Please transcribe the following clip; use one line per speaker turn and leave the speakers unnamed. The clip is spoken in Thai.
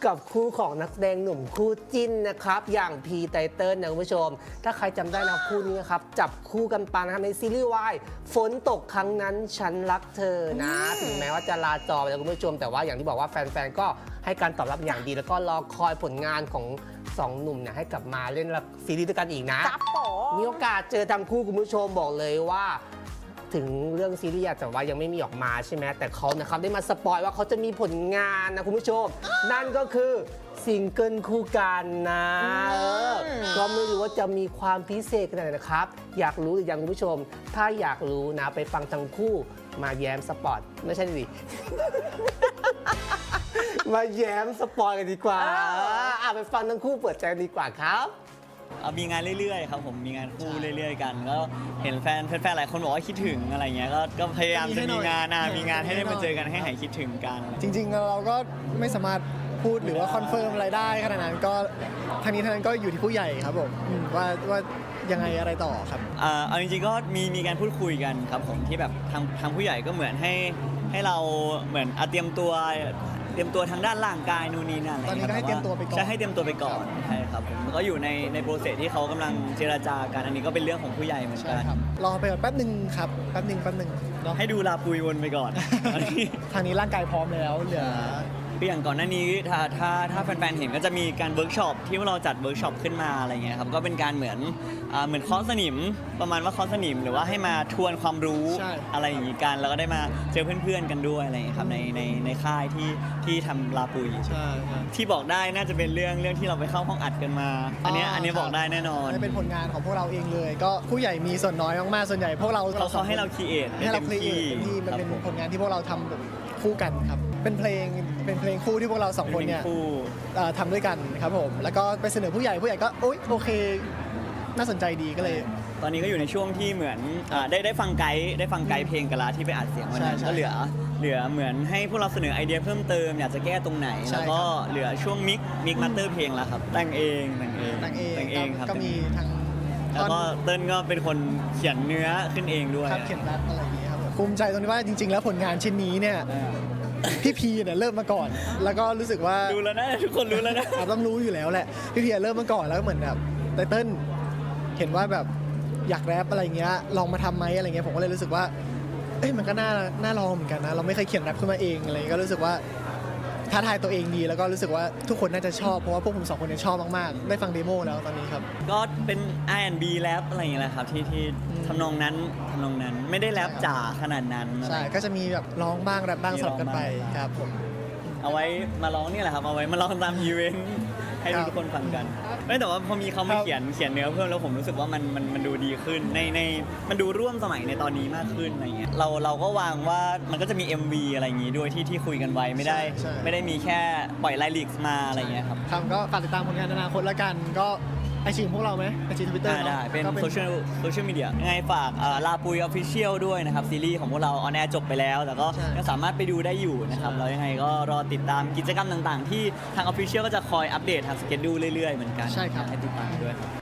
กับคู่ของนักแสดงหนุ่มคู่จิ้นนะครับอย่างพีไตเติ้ลนะคุณผู้ชมถ้าใครจำได้นะคู่นี้นะครับจับคู่กันปานะครับในซีรีส์วายฝนตกครั้งนั้นฉันรักเธอนะถึงแม้ว่าจะลาจอไปแล้วคุณผู้ชมแต่ว่าอย่างที่บอกว่าแฟนๆก็ให้การตอบรับอย่างดีแล้วก็รอคอยผลงานของสองหนุ่มเนี่ยให้กลับมาเล่นซีรีส์ด้วยกันอีกนะมีโอกาสเจอทั้งคู่คุณผู้ชมบอกเลยว่าถึงเรื่องซีรีส์แต่ว่ายังไม่มีออกมาใช่ไหมแต่เขานะครับได้มาสปอยว่าเขาจะมีผลงานนะคุณผู้ชม นั่นก็คือซิงเกิลคู่กันนะก็ไม่รู้ว่าจะมีความพิเศษขนาดไหนนะครับอยากรู้หรือยังคุณผู้ชม ถ้าอยากรู้นะไปฟังทั้งคู่มาแย้มสปอร์ตไม่ใช่ดิ มาแย้มสปอยกันดีกว่าไปฟังทั้งคู่เปิดใจกันดีกว่าครับ
มีงานเรื่อยๆครับผมมีงานคู่เรื่อยๆกันก็เห็นแฟนๆหลายคนบอกว่าคิดถึงอะไรเงี้ยก็พยายามจะมีงานให้ได้มาเจอกันให้หายคิดถึงกัน
จริงๆเราก็ไม่สามารถพูดหรือว่าคอนเฟิร์มอะไรได้ขนาดนั้นก็ทางนี้ทางนั้นก็อยู่ที่ผู้ใหญ่ครับผมว่ายังไงอะไรต่อครับ
เอาจริงๆก็มีการพูดคุยกันครับผมที่แบบทางผู้ใหญ่ก็เหมือนให้เราเหมือนเตรียมตัวทางด้านร่างกายนู่นนี่นั่นอะไร
ตอนนี้ก็ให้เตรียมตัวไปก่อน
ใช่ให้เตรียมตัวไปก่อนใช่ครับผมก็อยู่ในโปรเซสที่เขากำลังเจรจากันอันนี้ก็เป็นเรื่องของผู้ใหญ่เหมือนกัน
รอไปก่อนแป๊บนึงครับแป๊บนึง
ให้ดูลาปุยวนไปก่อน
ทางนี้ร่างกายพร้อมแล้วเหลือ
อย่างก่อนหน้านี้ถ้าแฟนๆเห็นก็จะมีการเวิร์กช็อปที่เราจัดเวิร์กช็อปขึ้นมาอะไรเงี้ยครับก็เป็นการเหมือนเคาะสนิมประมาณว่าเคาะสนิมหรือว่าให้มาทวนความรู้อะไรอย่างงี้กันแล้วก็ได้มาเจอเพื่อนๆกันด้วยอะไรอย่างเงี้ยครับในค่ายที่ทำลาปุยที่บอกได้น่าจะเป็นเรื่องที่เราไปเข้าห้องอัดกันมาอันนี้บอกได้แน่นอน
เป็นผลงานของพวกเราเองเลยก็ผู้ใหญ่มีส่วนน้อยมากๆส่วนใหญ่พวกเรา
เขาให้เราครีเอท
ให้เราครีเอทที่มันเป็นผลงานที่พวกเราทำคู่กันครับเป็นเพลงคู่ที่พวกเราสองคนเนี่ยทำด้วยกันครับผมแล้วก็ไปเสนอผู้ใหญ่ก็โอเคน่าสนใจดีก็เลย
ตอนนี้ก็อยู่ในช่วงที่เหมือนได้ฟังไกด์เพลงกันละที่ไปอัดเสียงวันนั้นก็เหลือเหมือนให้พวกเราเสนอไอเดียเพิ่มเติมอยากจะแก้ตรงไหนแล้วก็เหลือช่วงมิกมาสเตอร์เพลงแล้วครับแต่งเองครับ
ก็มีทั้ง
แล้วก็เติ้ลก็เป็นคนเขียนเนื้อขึ้นเองด้วย
เขียนรัดอะไรอย่างเงี้ยครับภูมิใจตรงที่ว่าจริงๆแล้วผลงานชิ้นนี้เนี่ยพี่พีเนี่ยเริ่มมาก่อนแล้วก็รู้สึกว่า
ดูแล้วนะทุกคนรู้แล้วนะ
ต้องรู้อยู่แล้วแหละพี่พีเริ่มมาก่อนแล้วเหมือนแบบไตเติ้ลเห็นว่าแบบอยากแรปอะไรเงี้ยลองมาทำไหมอะไรเงี้ยผมก็เลยรู้สึกว่ามันก็น่าลองเหมือนกันนะเราไม่เคยเขียนแรปขึ้นมาเองอะไรก็รู้สึกว่าท้าทายตัวเองดีแล้วก็รู้สึกว่าทุกคนน่าจะชอบเพราะว่าพวกผมสองคนเนี่ยชอบมากๆได้ฟังเดโมแล้วตอนนี้ครับ
ก็เป็น R&B แรปอะไรอย่างเงี้ยแหละครับที่ทำนองนั้นไม่ได้แรปจ๋าขนาดนั้น
ใช่ก็จะมีแบบร้องบ้างแรปบ้างสลับกันไปครับผม
เอาไว้มาร้องนี่แหละครับเอาไว้มาร้องตามอีเวนต์ให้ทุกคนฟังกันแต่ว่าพอมีเขามาเขียนเนื้อเพิ่มแล้วผมรู้สึกว่ามันดูดีขึ้นในมันดูร่วมสมัยในตอนนี้มากขึ้นอะไรเงี้ยเราก็วางว่ามันก็จะมี MV อะไรอย่างงี้ด้วยที่คุยกันไว้ไม่ได้มีแค่ปล่อยไลลิกส์มาอะไรเงี้ยครับ
ก็ฝากติดตามผลงานอนาคตละกันก็ไอจีพวกเราไหมไอจี Twitter
ได้เป็นโซเชียลมีเดียยังไงฝากลาปุย Official ด้วยนะครับซีรีส์ของพวกเราออนแอร์จบไปแล้วแต่ก็ยังสามารถไปดูได้อยู่นะครับแล้วยังไงก็รอติดตามกิจกรรมต่างๆที่ทาง Official ก็จะคอยอัปเดตทางสเกจดูเรื่อยๆเหมือนกัน
ใช่ครับ
ให้ติดตามด้วย